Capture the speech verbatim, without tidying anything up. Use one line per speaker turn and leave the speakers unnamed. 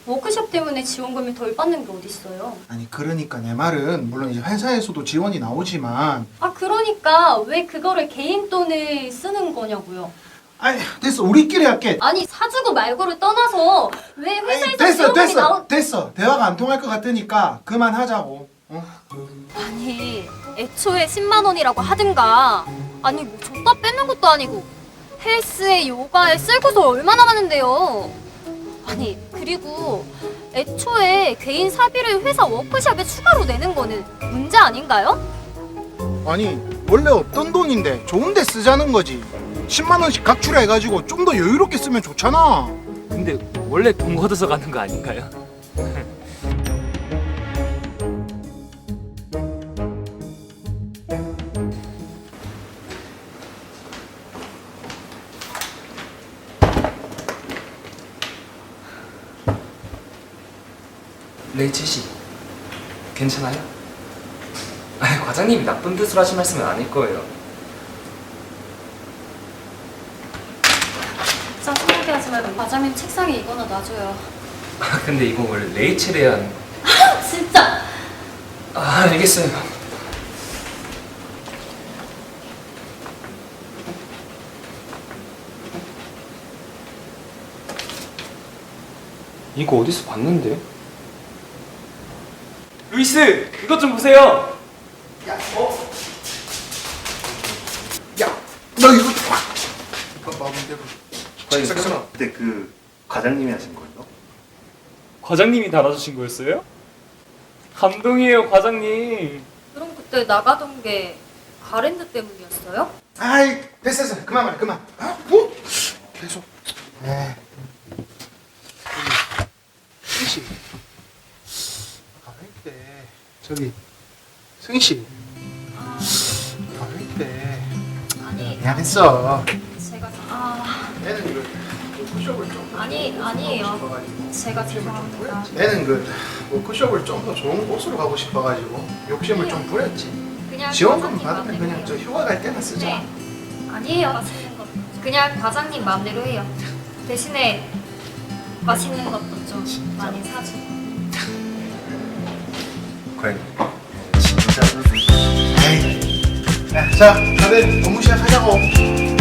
워크숍 때문에 지원금을 덜 받는 게 어딨어요.
아니 그러니까 내 말은 물론 이제 회사에서도 지원이 나오지만
아 그러니까 왜 그거를 개인 돈을 쓰는 거냐고요.
아니 됐어 우리끼리 할게.
아니 사주고 말고를 떠나서 왜
아니,
회사에서
됐어
지원금이
됐어
나온...
됐어 대화가 안 통할 것 같으니까 그만하자고. 어?
아니 애초에 십만 원이라고 하든가 아니 뭐 줬다 뺏는 것도 아니고 헬스에 요가에 쓸 곳을 얼마나 많은데요. 아니 그리고 애초에 개인 사비를 회사 워크숍에 추가로 내는 거는 문제 아닌가요?
아니 원래 없던 돈인데 좋은 데 쓰자는 거지. 십만 원씩 각출해가지고 좀 더 여유롭게 쓰면 좋잖아.
근데 원래 돈 걷어서 가는 거 아닌가요?
레이첼 씨, 괜찮아요? 아니, 과장님이 나쁜 뜻으로 하신 말씀은 아닐 거예요.
짜증나게 하지 말고 과장님 책상에 이거나 놔줘요.
아, 근데 이거 원래 레이첼 해야 하는 거.
진짜!
아, 알겠어요. 이거 어디서 봤는데?
루이스, 이것 좀 보세요.
야, 어? 야, 너 이거 봐. 봐봐,
과장님, 그때 그 과장님이 하신 거예요?
과장님이 달아주신 거였어요? 감동이에요, 과장님.
그럼 그때 나가던 게 가랜드 때문이었어요?
아이, 됐어, 됐어. 그만 말해, 그만. 아, 뭐? 계속. 네. 승희 씨. 가만히 있대. 저기, 승희 씨. 가만히 있대.
아니
미안했어.
제가 아
얘는 이거 워크숍을 좀
아니 아니에요. 제가 죄송합니다.
얘는 그 워크숍을 좀 더 좋은 곳으로 가고 싶어가지고 욕심을 좀 부렸지.
그냥
지원금
과장님
받으면 그냥
맘대로
저
해요.
휴가 갈 때나 쓰자.
네. 아니에요. 맛있는 것 그냥 과장님 마음대로 해요. 대신에 맛있는 것도 좀 많이 사주고.
과장님, 진짜
에이. 야, 자, 다들 업무 시작하자고.